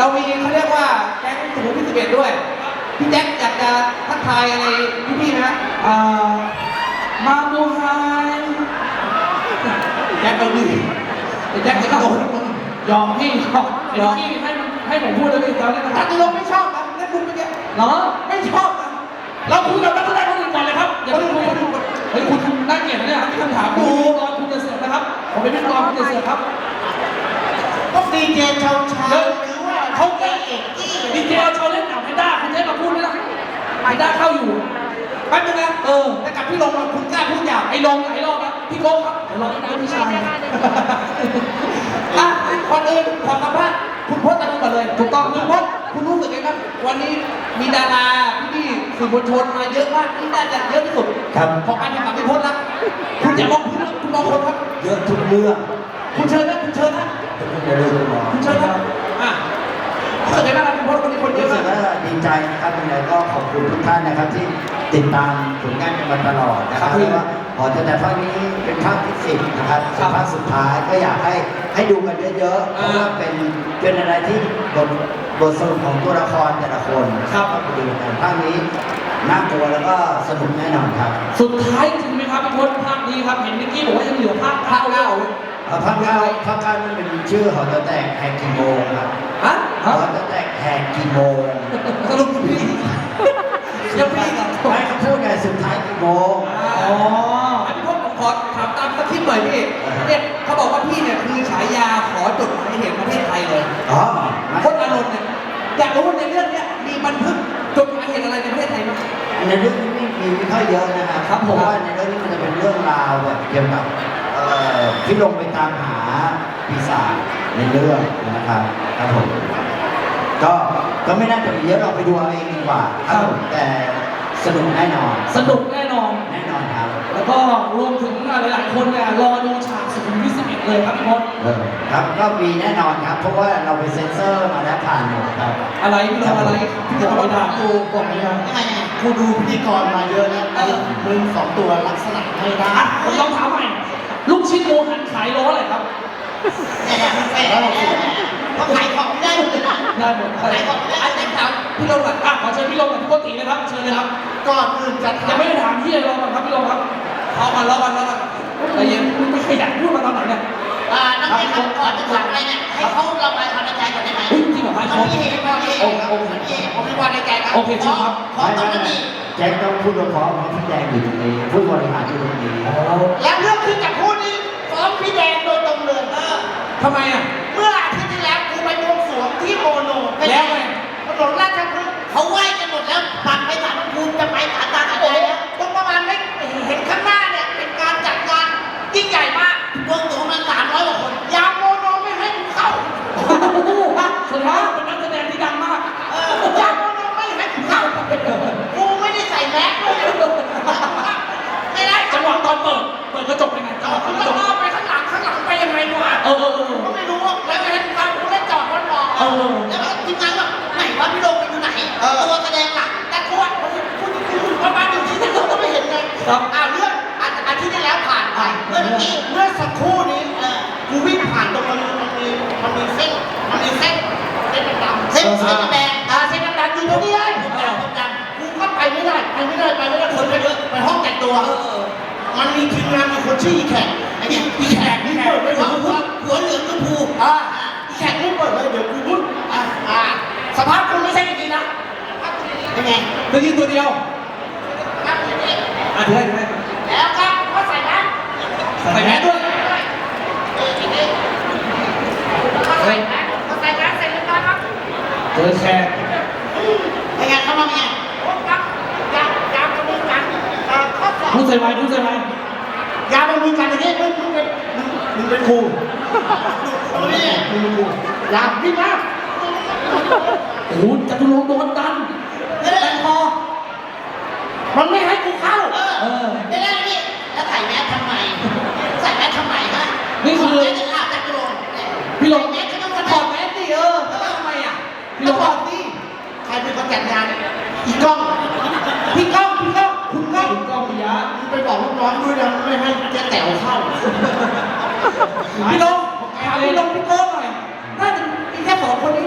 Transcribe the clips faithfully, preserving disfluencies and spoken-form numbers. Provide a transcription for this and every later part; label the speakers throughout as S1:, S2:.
S1: เรามีเขาเรียกว่าแก๊งสุขุมวิทสิบเอ็ดด้วยพี่แจ็คอยากจะทักทายอะไรพี่ๆไหมครับอ่ามาบูไฮแจ็คเอาดิแจ็คจะโดนยอมพี่ยอมยอมพี่ให้ให้ผมพูดแล้วพี่ตอนนี้จตุรงค์ไม่ชอบนะนั่นคุณเมื่อกี้เหรอไม่ชอบนะเราคุยกับนักแสดงคนอื่นก่อนเลยครับอย่าเพิ่งคุยเฮ้ยคุณคุณน่าเกลียดนะเนี่ยคำถามดูตอนคุณจะเสือกนะครับผมเป็นพิธีกรคุณจะเสือกครับ
S2: ต้องดีเจเช้าเช้าหรือว่าเขาแก้เอกกี้
S1: ดีเจเช้าเล่นหนังไฮด้าคุณใช้มาพูดไหมล่ะไฮด้าเข้าอยู่แป๊บนึงนะเออแต่กับพี่ลงมาคุณกล้าพูดหยาบไอ้ลงหลายรอบแล้วพี่โก้ครับเดี๋ยวรอที่น้ำพี่ชายอ่ะคนอื่นขอสัมภาษณ์คุณพจน์กันก่อนเลยถูกต้องคุณพจน์คุณรู้สึกไงครับวันนี้มีดาราพี่ๆสื่อมวลชนมาเยอะมากที่น่าจะเยอะที่สุดครับของการแข่งขันพี่พจน์นะคุณอย่ามองคุณคุณมองคนครับ
S3: เยอะทุกเรื่อง
S1: คุณเชิญนะคุณเชิญนะ
S3: เดี๋ยวดูหมอ
S1: คุณเชิญนะอ่ะรู้สึกไงบ้างครับคุณพจน์วันนี้คนเยอะมาก
S3: ดีใจนะครับยังไงก็ขอบคุณทุกท่านนะครับที่ติดตามผลงานกันมาตลอดนะครับเพราะว่าพอจะแต่ภาคนี้เป็นภาคที่สิบนะครับเป็นภาคสุดท้ายก็อยากให้ให้ดูกันเยอะๆเพราะว่าเป็นเป็นอะไรที่บทบทสรุปของตัวละครแต่ละคน
S1: ครับ
S3: ไปดูกันภาคนี้น่ากลัวแล้วก็สนุกแน่นอนครับ
S1: สุดท้ายจริงไหมครับพี่พจน์ภาคนี้ครับเห็นนิกกี้บอกว่ายังเหลือภาคภาคเก้า
S3: ภาคเก้าภาคเก้ามันเป็นชื่อหอจะแตกแหกกี่โมงครับ
S1: ฮะ
S3: หอจะแตกแหกกี่โมง
S1: สรุปพี่ยังพี่กับ
S3: ไม่เขาพูดไงสุดท้ายกี่โมง
S1: อ๋ออันนี้พจน์ผมขอถามตามสคริปต์หน่อยพี่เนี่ยเขาบอกว่าพี่เนี่ยคือฉายาขอจดหมายเหตุประเทศไทยเลย
S3: อ๋อ
S1: พจน์อานนท์เนี่ยอยากรู้ว่าในเรื่องนี้มีบันทึกจดหมายเหตุอะไรในประเทศไทยไหม
S3: ในเรื่องนี้ไม่มีไม่ค่อยเยอะนะครับเพราะว่าในเรื่องนี้มันจะเป็นเรื่องราวแบบเกี่ยวกับที่ลงไปตามหาปีศาจในเรื่องนะครับครับผมก็ก็ไม่น่าจะมีเยอะเราไปดูเอาเองดีกว่าครับผมแต่สนุกแน่นอน
S1: สนุกแน่นอน
S3: แน่นอนครับ
S1: แล้วก็รวมถึงหลายๆคนเนี่ยรอดูฉากสุขุมวิทสิบเอ็ดเลยครับพี่พจน์
S3: ครับก็มีแน่นอนครับเพราะว่าเราไปเซ็นเซอร์มาแล้วผ่านหมดครับ
S1: อะไรพี่ลงอะไรพี่จะไปด่ากูบอกไม่ได้
S2: กูดูพิธีกรมาเยอะแล้วมึงสองตัวลักษณะไม่ได้
S1: ผมลองถามใหม่ลูกชิ้นโมหันขายล้ออะไรครับ
S2: เขาขายของได้เลยนะ
S1: ได้หมด
S2: ขายของได้แต่ถาม
S1: พี่ลงอ่ะขอเชิญพี่ลงกับพี่โกติเลยครับเชิญเลยครับ
S2: ก่อนอื่นจะ
S1: ยังไม่ได้ถามพี่เลยลงก่อนครับพี่ลงครับเอาก่อนรอก่อนรอก่อนแต่ยังไม่ขยันพูดมาตอนไหนเนี่ย
S2: อ่านักเรียนครับก่อนจะถามอะไรเนี่ยให้เขาระบายความในใจก่อนได้ไหม
S1: จริงเหรอครับ
S2: มันมีเหตุมันมีเหตุครับมันมีเหตุผมมีความในใจครับ
S1: โอเคจริงครับ
S2: ขอตอนนี้
S3: แจ็คต้องพูดเพราะเพราะพี่แดงอยู่ตรงนี้ผู้บริหารอยู่ตรงนี้
S2: แล้วเรื่องที่จะพูดนี้ฟ้องพี่แดงโดยตรงเลยเออ
S1: ทำไมอ่ะ
S2: เมื่ออาทิตย์ที่แล้วกูไปบวงสรวงที่โมโน
S1: แล้วไง
S2: ถนนราชพฤกษ์เขาไหว้กันหมดแล้วปั่นไปสารพระภูมิจะไปสารตาขันใจแล้วตรงประมาณไม่เห็นข้างหน้าเนี่ยเป็นการจัดงานยิ่งใหญ่มากบวงสรวงมาสามร้อยกว่าคนยามโมโนไม่ให้กูเข้า
S1: สุดท้ายเป็นนักแสดงที่ดังมาก
S2: เออยามโมโนไม่ให้กูเข้ากูไม่ได้ใส่แมสด้วยไม่ได้
S1: จังหวะตอนเปิดเปิดกระจกยังไง
S2: จอดกระจกไปข้างหลังข้างหลังไปยังไงวะ
S1: เออเออ
S2: ก็ไม่รู้แล้วไม่ให้กูเข้ากูได้จอดรถรอแล้วทีมงานก็ไหนวะพี่โดมไปอยู่ไหนตัวแสดงหลักแต่กูว่าพูดพูดประมาณหนึ่งทีแต่เราก็ไม่เห็นไงอ่าเรื่องอาทิตย์ที่แล้วผ่านไปเมื่อกี้เมื่อสักครู่นี้กูวิ่งผ่านตรงมันมันมีมันมีเส้นมันมีเส้นเส้นดำเส้นเส้นแดงอ่าเส้นดำอยู่ตรงนี้เลยผมดำผมดำกูก็ไปไม่ได้ไปไม่ได้ไปไม่ได้คนไปเยอะไปห้องแต่งตัวมันมีทีมงานมีคนชื่ออีแขกไอ้เนี่ยอีแขกนี่เปิดไม่ถึงหัวหัวเหลืองก็ผูอ่าอีแขกนี่เปิดเลยเดี๋ยวกูพูดอ่าอ่าสภาพคุณไม่ใช่อย่างนี้นะเป็นไง
S1: ตัวยืนตัวเดียว
S2: ครับอย่างนี้
S1: อ่ะถือให้ถือให้
S2: แล้วครับก็ใส่แมส
S1: ใส่แมสด้วย
S2: เอออย่างนี้ก็ใส่แมสก็ใส่แมสใส่เรียบร้อยครับ
S1: เจอแขก
S2: เป็นไงเข้ามาเป็นไงโอ้ครับยาวยาวกระบวนการข้อสอบ
S1: พูดใส่ไว้พูดใส่ไว้
S2: ยาวกระบวนการอย่างนี้มึงมึงเป็นมึงเป็นครูโอ้ยมึงเป็นครูยาวพี่มาก
S1: โอ้โหจตุรงค์โดนดัน
S2: แต่พอมันไม่ให้กูเข้า
S1: เออ
S2: ไม่ได้นี่แล้วใส่แมสทำไมใส่แมสทำไมฮะ
S1: นี่คือ
S2: จะอาบแต่กระโดด
S1: พี่ลง
S2: แมสก็ต้อง
S1: ถอดแมสดิเออทำไมอ่ะพี่ลงถอดดิ
S2: ใครเป็นคนจัดงานอีกล้องพี่ก้องพี่ก้องคุณก้อง
S1: คุณก้องปิยะ
S2: ไปบอกลูกน้องด้วยนะไม่ให้เจ๊แต๋วเข้า
S1: พี่ลงถามพี่ลงพี่โก้หน่อยน่าจะมีแค่สองคนนี้แหละ
S2: ใช่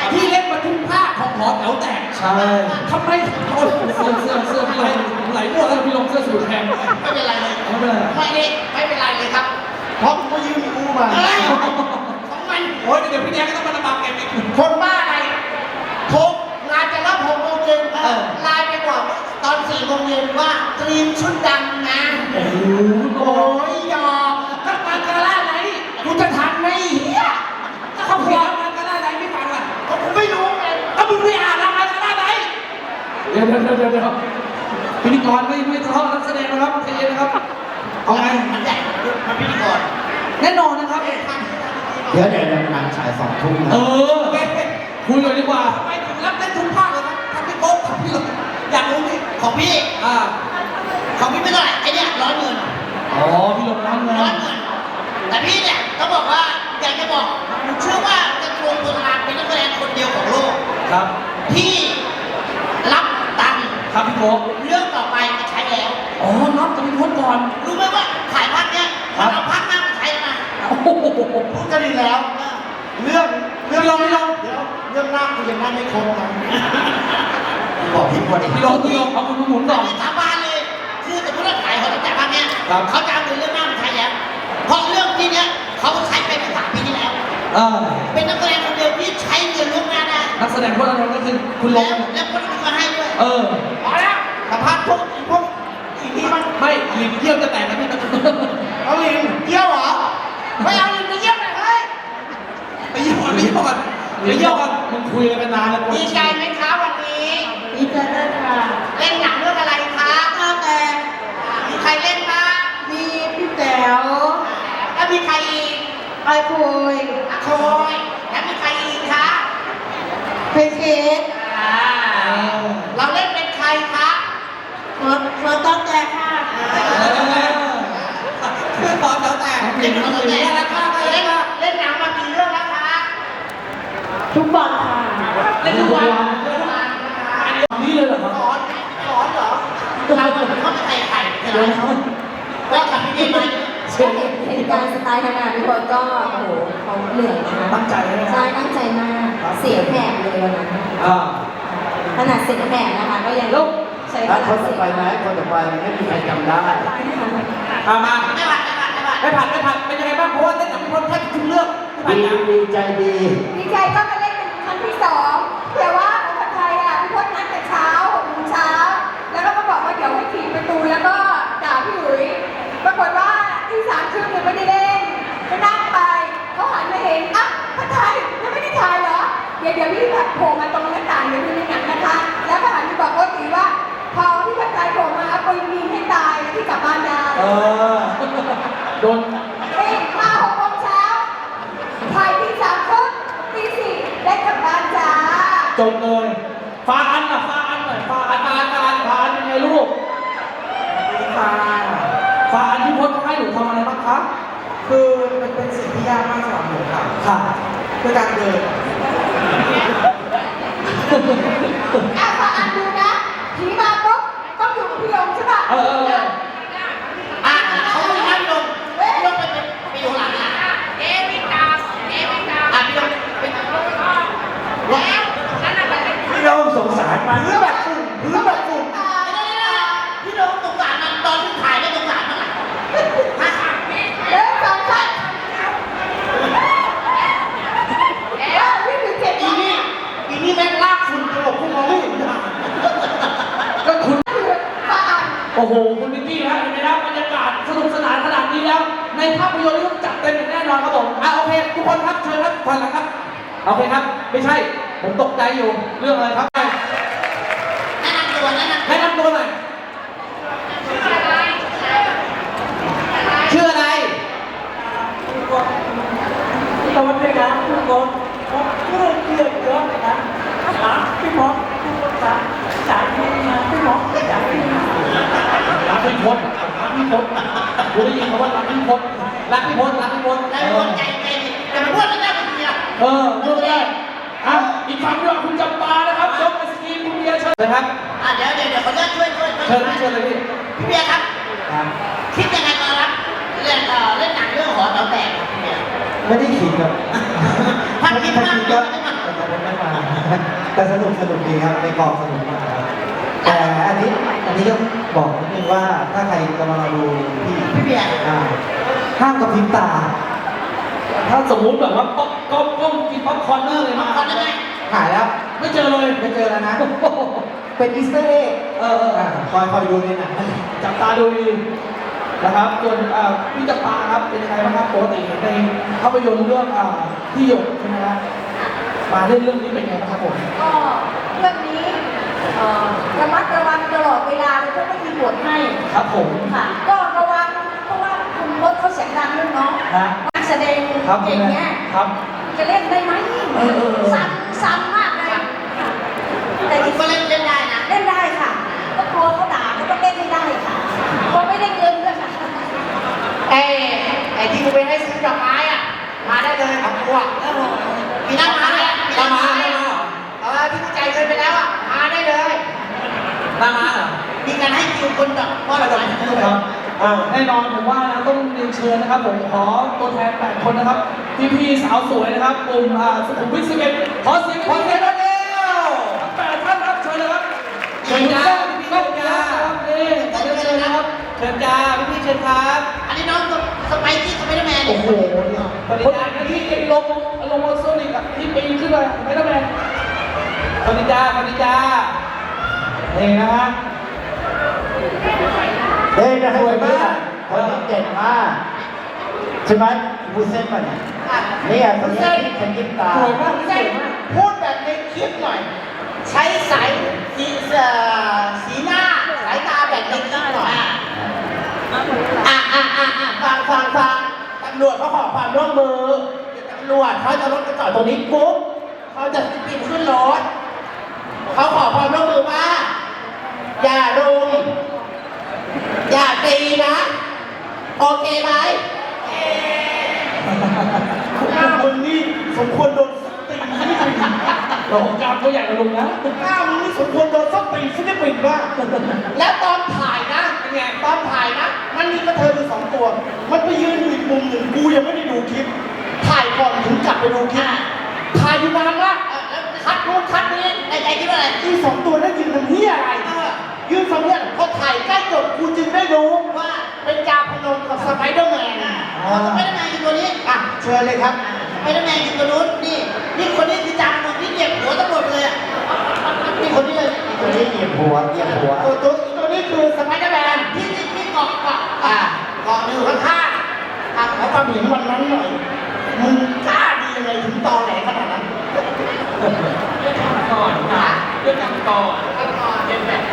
S1: ที่เล่นมาทุกภาคของหอแถวแตก
S3: ใช่
S1: ทำไมโอ้ยเสื้อเสื้อเสื้อพี่ไหลไหลมั่วแล้วพี่ลงเสื้อสูทแทน
S2: ไม่เป็นไรเลย
S1: ไม่เป็นไร
S2: ไม่ได้ไม่เป็นไรเลยครับ
S3: เพราะกูยืมกูมา
S2: เฮ้ยของมัน
S1: โอ้ยเดี๋ยวพี่แดงก็ต้องมาลำบากแกอีก
S2: คนบ้าอะไรโทรงานจะรับหกโมงเย็นเออไลน์ไปบอกตอนสี่โมงเย็นว่าเตรียมชุดดำนะ
S1: โอ้โห
S2: โอ้ยยอม
S1: ถ้ามาการ่าไหน
S2: กูจะทันไหมเฮีย
S1: ถ้าเขาเขียนมาการ่าไหนไม่ฟังอ่ะ
S2: ก็กูไม่รู้ไง
S1: ถ้ามึงไม่อ่านแล้วมาการ่าไหนเดี๋ยวเดี๋ยวเดี๋ยวเดี๋ยวพิธีกรไม่ไม่ทะเลาะนักแสดงนะครับใจเย็นนะครับเอาไง
S2: มันใหญ่มันพิธีกร
S1: แน่นอนนะครับ
S3: เดี๋ยวเดี๋ยวเดี๋ยวหนังฉายสองทุ่มนะ
S1: เออคุยกันดีกว่าทำไมถึงรับเล่นทุกภาคเลยครับทำพี่โป๊กทำพี่หลงอยากรู้ไหม
S2: ของพี่
S1: อ่า
S2: ของพี่ไม่เท่าไหร่ไอเนี่ยร้อยหมื่น
S1: อ๋อพี่หลงร้านเงิน
S2: ร้อยหมื่นแต่พี่เนี่ยต้องบอกว่าอยากจะบอกผมเชื่อว่าจะรวมตัวงานเป็นนักแสดงคนเดียวของโลก
S1: ครับ
S2: ที่รับตังค์
S1: ครับพี่โป๊ก
S2: เรื่องต่อไปจะใช้แล้ว
S1: อ๋อนับจะมีพ้นก่อน
S2: รู้ไหมว่าถ่ายภาคเนี้ยมันเอาภาคหน้ามาใช้แล้วนะ
S1: โอ้โห
S3: พูดกันดีแล้ว เรื่อง
S1: พี่ลงพี่ลง
S3: เดี๋ยวเรื่องหน้ากูยังนั่งไม่ครบนะบอกพี่คนอีก
S1: พี่ลงพี่ลงเอาคุณหมุนก่อน
S2: อันนี้สาบานเลย คือสมมติว่าถ่ายเขาตั้งแต่ภาคเนี้ย
S1: ครับ
S2: เขาจะเอาเรื่องหน้ามาใช้แล้ว เพราะเรื่องที่เนี้ยเขาใช้ไปเมื่อสามปีที่แล้ว
S1: เออ
S2: เป็นนักแสดงคนเดียวที่ใช้เงินล่วงหน้าได้
S1: นักแสดงพวกนั้นก็คือคุณล
S2: แล้ว
S1: ง
S2: แล้วคนอื่นก็ให้ด้วย
S1: เออ
S2: พอแล้วสัมภาษณ์พวกพวกอีกทีมัน
S1: ไม่หลินเยี่ยมจะแตกนะพี่
S2: เอาลิงเยี่ยวเหรอ ไม่เอาลิงไปเยี่ยวหน่อยเฮ้ย
S1: ไปเยี่ยมก่อนไปเยี่ยมก่อนไปเยี่ยมก่อนมึงคุยอะไรกันนานแล้ว
S2: ดีใจไหมคะวันนี้
S4: ดีใจมากค่ะ
S2: เล่นหนังเรื่องอะไรคะข้าวแตงมีใครเล่นบ้าง
S4: มีพี่แจ๋ว
S2: แล้วมีใครอีก
S4: ไอคุย
S2: อะโคยแล้วมีใครอีกคะ
S4: เพนเค้ก
S2: อ่าเราเล่นเป็นใครคะ
S4: หัวหัวต้นแจ๊ค่ะ
S1: คือตอนแล้วแต่
S2: เล่นเป็นแต่ละคะเล่นเล่นหนังมากี่เรื่องแล้วคะ
S4: ทุกวันค่ะ
S2: เล่นทุกวันเล่นทุกวัน
S1: นี่เลยเหรอครับ
S2: สอนสอนเหรอเราเหมือนเขาไม่ใส่ไข่ใช่ไหมก็ทำให้ดีไหม
S4: ก็เห็นเห็นการสไตล์ทำงานทุกคนก็โอ้โหเขาเหนื่อยนะคะ
S1: ตั้งใจเลยนะ
S4: ใช่ตั้งใจมาก เสียงแหบเลยวันนั้น
S1: อ่า
S4: ขนาดเสียงแหบนะคะ ก็ยัง
S1: แล้ว
S4: ใช้เว
S3: แล้ว
S4: ลา
S3: คน
S4: เสี
S3: ต่อย ไปไหมคนต่อไปไม่มีใครจำได้
S1: อามา
S2: ไม่ผัดไม่ผัดไม่ผัด
S1: ไม่ผัดไม่ผัดเป็นยังไงบ้างเพราะว่าเล่นกับพี่พลแทบทุกเรื่องไม่
S3: ดี
S1: ผัดนะ
S3: ดีใจดี
S5: ดีใจก็มาเล่นเป็นครั้งที่สองแต่ว่าของคนไทยอ่ะพี่พจน์นัดแต่เช้าหกโมงเช้า แล้วก็มาบอกว่าเดี๋ยวให้ถีบประตูแล้วก็ด่าพี่อุ๋ยปรากฏว่าที่สามครึ่งยังไม่ได้เล่นก็นั่งไปเขาหันมาเห็นอ่ะพระไทยยังไม่ได้ถ่ายเหรอ เดี๋ยวเดี๋ยวพี่แบบโผล่มาตรงหน้าต่างเดี๋ยวดูในหนังนะคะ แล้วก็หันไปบอกโอ๊ตตีว่า พอที่พระไทยโผล่มาเอาปืนยิงให้ตายแล้วที่กลับบ้านได้
S1: เออโดน
S5: เฮ้ยมาหกโมงเช้าถ่ายที่สามครึ่งตีสี่ได้กลับบ้านจ้า
S1: จบเลยฟาอันอ่ะฟาอันหน่อยฟาอันฟาอันฟาอันฟาอันยังไงลูกฟาฟาอันพี่พจน์เขาให้หนูทำอะไรบ้างคะ
S6: คือมันเป็นสิ่งที่ยากมากสำหรับผมครับ
S1: ค่ะ
S6: คือการเดิน
S5: อ่ะฟังอันดูนะผีมาปุ๊บต้องอยู่กับพี่ลงใช่ป่ะ
S1: เออเออเออ
S2: อ่ะเขาไม่ให้พี่ลงพี่ลงไปเป็นไปอยู่หลังอ่ะเอ๊ะพี่ตามเอ๊ะพี่ตามอ่ะพี่ลงเป็นแล้วนั่นน่ะมันเป็น
S3: พี่โน้สงสารมัน
S2: พื้นแบบฝุ่นพื้นแบบฝุ่นพี่ลงสงสารมันตอนที่ถ่ายไม่สงสารมันอ่ะฮะ
S5: เดินสองชั้นเออพี่ถึงเจ็ด
S2: อีนี่อีนี่แม่งลากฝุ่นตลบกูมองไม่เห็นนะ
S1: ก็คุณ
S5: คือฟังอัน
S1: โอ้โหคุณนิกกี้ฮะเห็นไหมครับบรรยากาศสนุกสนานขนาดนี้แล้ว ในภาพยนตร์นี่ต้องจัดเต็มอย่างแน่นอนครับผมอ่ะโอเคทุกคนครับเชิญครับผ่านแล้วครับโอเคครับ ไม่ใช่ผมตกใจอยู่เรื่องอะไรครับ
S2: แนะนำตัวแนะนำ
S1: แนะนำตัวหน่อยชื่ออะไร
S6: ตอนนี้นะทุกคนผมเพื่อนเพื่อนเยอะเลยนะหาพี่มอสทุกคนสามสายที่มาพี่มอสสายที่มา
S1: รักพี่พศรักพี่พศกูได้ยินคำว่ารักพี่พศรักพี่พศรักพี่พศ
S2: แล้วคนใจใจดีแต่มันพูดไม่ได้เป็นเมีย
S1: เออพูดไม่ได้อ่ะอีกฝั่งด้วยคุณจำปานะครับยกไอศกรีมคุณเบียร์เชิญเลยครับ
S2: อ่ะเดี๋ยวเดี๋ยวเดี๋ยวขออนุญาตช่วยช่วย
S1: เชิญพี่เชิญเลยพี่
S2: พี่เบียร์ครับ
S3: ครับ
S2: คิดยังไงตอนรับเล่นเอ่อเล่นหนังเรื่องหอแต๋วแตกครับพี่เบียร์
S3: ไม่ได้ขิงครับ
S2: พันคิดมาก
S3: ก็
S2: เลยใช่ไหม
S3: แต่
S1: คนไม่มา
S7: แต่สนุกสนุกดีครับในกองสนุกมากครับแต่อันนี้อันนี้ต้องบอกนิดนึงว่าถ้าใครกำลังดูพี่
S2: พี่เบียร์
S7: อ่าห้ามกระพริบตา
S1: ถ้าสมมุติแบบว่าป๊อปก้มก้มกินป๊อปคอร์นเนอร์เลยมา
S2: ก่อนได้ไหม
S7: หายแล้ว
S1: ไม่เจอเลย
S7: ไม่เจอแล้วนะ เป็นอีสเตอร์เอ็ก
S1: เออเออ
S7: อ่าคอยคอยดูในหนัง
S1: จับตาดูดีนะครับส่วนอ่าพี่จับตาครับเป็นยังไงบ้างครับปกติในภาพยนตร์เรื่องอ่าที่หยดใช่ไหมครับมาเล่นเรื่องนี้เป็นไงบ้างครับผม
S5: ก็เรื่องนี้เอ่อระมัดระวังตลอดเวลาเลยก็ไม่มีบทให้
S1: ครับผม
S5: ค่ะ ก็ระวังเพราะว่าคุณรถเขาเสียงดังด้วยเนาะ
S1: ฮะ
S5: นักแสดง
S1: ครับ
S5: เก่งเนี้ย
S1: ครับ
S5: จะเล่นได้ไหม
S1: เออเออเออ
S5: ซ้ำซ้ำมากเลยค่ะแต่
S2: แต่
S5: อีก
S2: ก็เล่นเล่นได้นะ
S5: เล่นได้ค่ะ ก็กลัวเขาด่าก็ต้องเล่นให้ได้ค่ะกลัวไม่ได้เงินด้วยค่ะ
S2: ไอ้ไอ้ที่กูไปให้ซื้อดอกไม้อ่ะ มาได้เลยของกูอ่ะมีหน้ามาเลยมีหน้ามาเลยเออที่กูจ่ายเงินไปแล้วอ่ะ มาได้เลย
S1: หน้ามาเหรอ
S2: มีการให้คิวคนดอกมอบดอกไม้ให้ด้วย
S1: ครับอ่าแน่นอนผมว่านะต้องเรียนเชิญนะครับผมขอตัวแทนแปดคนนะครับพี่พี่ๆสาวสวยนะครับกลุ่มอ่าสุขุมวิทสิบเอ็ดขอเสียง
S7: ขอเสียงหน่อยเร็ว
S1: ทั้งแปดท่านครับเชิญเลยครับ
S2: เชิญจ้า
S1: พี่ก้องจ้าครับนี่ขอเรียนเชิญนะครับ
S2: เชิญจ้าพี่พี่เชิญครับ อันนี้น้องสไปซี่สไปเดอร์แมน
S1: โอ้โหคนไหนนะที่ลงลงมาโซนิกอะที่ปีนขึ้นไปไม่ต้องแมนสวัสดีจ้าสวัสดีจ้านี่นะฮะ
S3: เฮ้ยนะสวยมากคนนี้เด่นมากใช่ไหมบูเซ่นป่ะเนี่ยเนี่ยคนนี้ที่ฉันยิ้มตา
S1: สวยมากสวยมาก
S2: พูดแบบในคลิปหน่อย ใช้สายสีเอ่อสีหน้า สายตาแบบในคลิปหน่อย อ่ะอ่ะอ่ะอ่ะฟังฟังฟังตำรวจเขาขอความร่วมมือตำรวจเขาจะรถกระจอดตรงนี้ปุ๊บเขาจะปีนขึ้นรถเขาขอความร่วมมือว่า อย่ารุมอย่าตีนะ โอเคไหม
S1: หน้ามึงนี่สมควรโดนส้นตีนฟิลิปปินส์โอ้โหกล้ามตัวใหญ่กว่าลุงนะหน้ามึงนี่สมควรโดนส้นตีนฟิลิปปินส์บ้าง
S2: แล้วตอนถ่ายนะเป็นไงตอนถ่ายนะ มันมีกระเทยอยู่สองตัว มันไปยืนอยู่อีกมุมหนึ่งกูยังไม่ได้ดูคลิป ถ่ายก่อนถึงกลับไปดูคลิป ถ่ายอยู่นานมากคัดนู้นคัดนี้ในใจคิดว่าอะไรอีสองตัวนั้นยืนทำเหี้ยอะไรยืนทำเหี้ยพอถ่ายใกล้จบกูจึงได้รู้ว่าเป็นจาพนมกับสไปเดอร์แมนสไปเดอร์แมนอยู่ตัวนี้ อ่ะเชิญเลยครับสไปเดอร์แมนอยู่ตัวนู้นนี่นี่คนนี้คือจาพนมที่เหยียบหัวตำรวจเลยอ่ะนี่คนนี้เลย
S3: คนนี้เหยียบหัวเหยียบหัว
S2: ตัวตัวตัวนี้คือสไปเดอร์แมนที่ที่ที่เกาะเกาะอ่าเกาะอยู่ข้างๆอ่ะขอความเห็นวันนั้นหน่อยมึงกล้าดียังไงถึงตอแหลขนาดนั้นก่อนนะเรื่องกันก่อนก่อนเป็นแบบ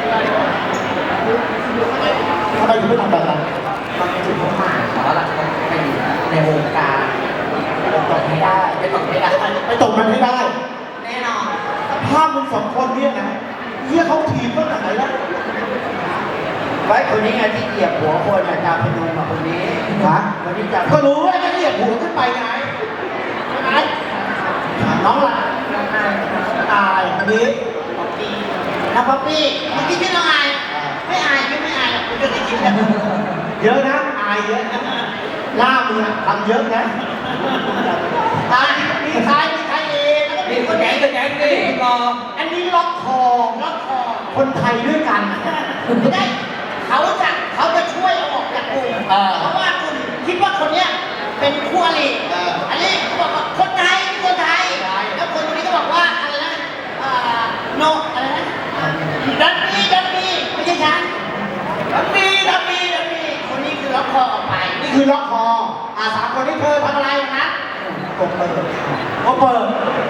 S2: ทำไมถึงไม่ทำแบบนั้นมันเป็นจุดมุ่งหมายแต่ว่าเราจะต้องไปอยู่ในวงการไปตกไม่ได้ไปตกไม่ได้ไปตกมันไม่ได้ แน่นอนภาพมึงสองคนเนี่ยนะเฮียเขาทีมตั้งแต่ไหนแล้ว
S3: ไว้คนนี้ไงที่เหยียบหัวคนอาจารย์พนมกับคนนี้ฮะคนนี้จะ
S2: ก็รู้ว่าจะเหยียบหัวขึ้นไปไงไงน้องล่ะอายอันนี้ป๊อปปี้น้องป๊อปปี้เมื่อกี้ชื่อน้องอายไม่อายไม่ไม่อายหรอกคุณจะได้ยินนะเยอะนะอายเยอะนะหน้ามึงอะทำเยอะนะอายมีใครมีใครเองแล้วก็มี
S1: นี่
S2: ค
S1: ส
S2: น
S1: แก
S2: นี้
S1: นสแกนนี่รอ
S2: อันนี้ล็อกคอล็อกคอคนไทยด้วยกันไม่ได้เขาจะเขาจะช่วยเอาออกจากกลุ่มเพราะว่ากลุ่มคิดว่าคนเนี้ยเป็นคู่อริอันนี้เขาบอกว่าคนไทยนี่คนไทยแล้วคนคนนี้ก็บอกว่าอะไรนะโนอะไรนะดันมีดันมีไม่ใช่ฉันดันมีดันมีดันมีคนนี้คือล็อกคอออกไปนี่คือล็อกคออ่าสามคนนี้เธอทำอะไรนะกดเปิดกดเปิด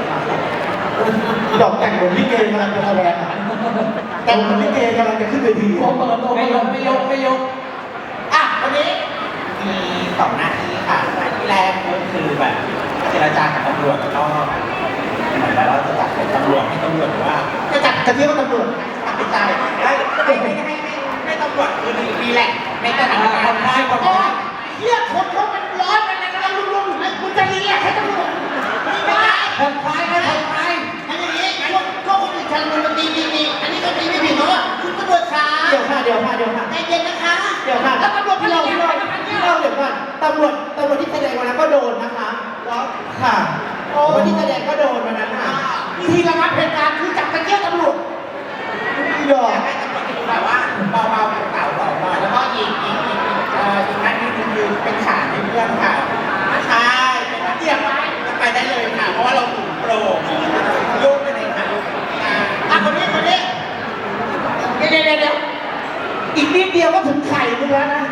S2: ดอกแต่งเหมือนลิเกกำลังจะแสดงอ่ะแต่งเหมือนลิเกกำลังจะขึ้นเวที
S1: โอ้เปิดตัวไม่ยกไม่ยกไม่ยก
S2: อ่ะวันนี้มีสองหน้าที่ค่ะหน้าที่แรกก็คือแบบเจรจากับตำรวจแล้วก็เหมือนแบบเราจะจัดเป็นตำรวจให้ตำรวจว่าจะจัดกระเทียมกับตำรวจตัดสินใจให้ให้ให้ให้ให้ให้ตำรวจคือดีแหละในสถานการณ์
S1: ผ่อนคลายผ่อนคลาย
S2: เฮียคนเขามันร้อนมันอะไรกันรุ่มๆแล้วคุณจะรีแลกซ์ให้ตำรวจไม่ได้
S1: ผ่อนคลายนะผ่อนคลาย
S2: อันนี้พวกพวกคนอื่นทำมันตีตีตีอันนี้ก็ตีไม่ผิดเพราะว่าคุณตำรวจช้า
S3: เดี๋ยวค่ะเดี๋ยวค่ะเดี๋ยวค่ะ
S2: ใจเย็นนะคะ
S3: เดี๋ยวค่ะ
S2: แล้วตำรวจ
S3: พี่
S2: พี่
S3: เรา
S2: เรา
S3: พี่
S2: พี่
S3: เรา
S2: เรา
S3: พี่เราเดี๋ยวก่อนตำรวจตำรวจที่แสดงวันนั้นก็โดนนะคะค่ะ
S2: โอ้
S3: คนที่แสดงก็โดนวันนั้นค่ะ
S2: เวิธีระงับเหตุการณ์คือจับตะเกียบตำรวจ
S3: ยอม
S2: ให้ตำรวจแบบว่าเบาๆเก่าๆเบาๆแล้วก็อีกอีกอีกอีกเอ่ออีกอันหนึงคือเป็นขาให้เพื่อนค่ะใช่เป็นนักเรียนไว้จะไปได้เลยค่ะเพราะว่าเราถูกโปรโยกไปเลยค่ะอ่ะคนนี้คนนี้เดี๋ยวเดี๋ยวเดี๋ยวอีกนิดเดียวก็ถึงไข่มึงแล้วนะ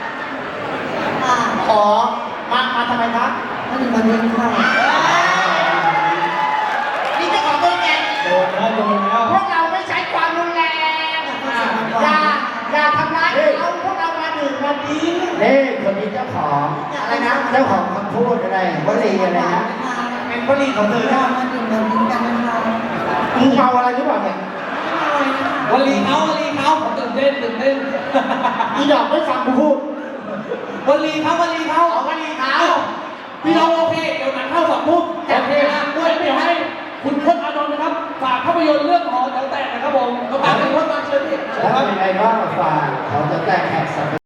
S2: อ๋อมามาทำไมครับ
S3: มันมันเล่นข้าว
S2: นี่เจ้าของตัวแก
S1: โดนแล้วโดนแล้ว
S2: พวกเราไม่ใช้ความรุนแรงอย่าอย่าทำร้ายเขาพวกเรามาดื่มมาดิ้ง
S3: นี่คนนี้เจ้าของอะไรนะเจ้าของคำพูดอะไรวลีอะไรนะ
S2: เป็นวลีของเธอนะ
S3: มาดื่มมาดิ้งกันนะคะ
S2: มึงเมาอะไรหรือเปล่าเนี่ย
S1: วันลีเขาวันลีเขาผมตื่นเต้นตื่นเต้น
S2: อีดอกไม่ฟังกูพูด
S1: วันลีเขาวันลีเขา
S2: เอาวลีเขา
S1: พี่น้องโอเค เดี๋ยวหนังเข้าสองทุ่มโอเคนะด้วยเดี๋ยวให้คุณพจน์อานนท์นะครับ ฝากภาพยนตร์เรื่องหอแถวแตกนะครับผมต้องการเป็นพจน์มาเชิญพี่
S3: แล้วเป็นไงบ้างฝากเขาจะแตกแขกสั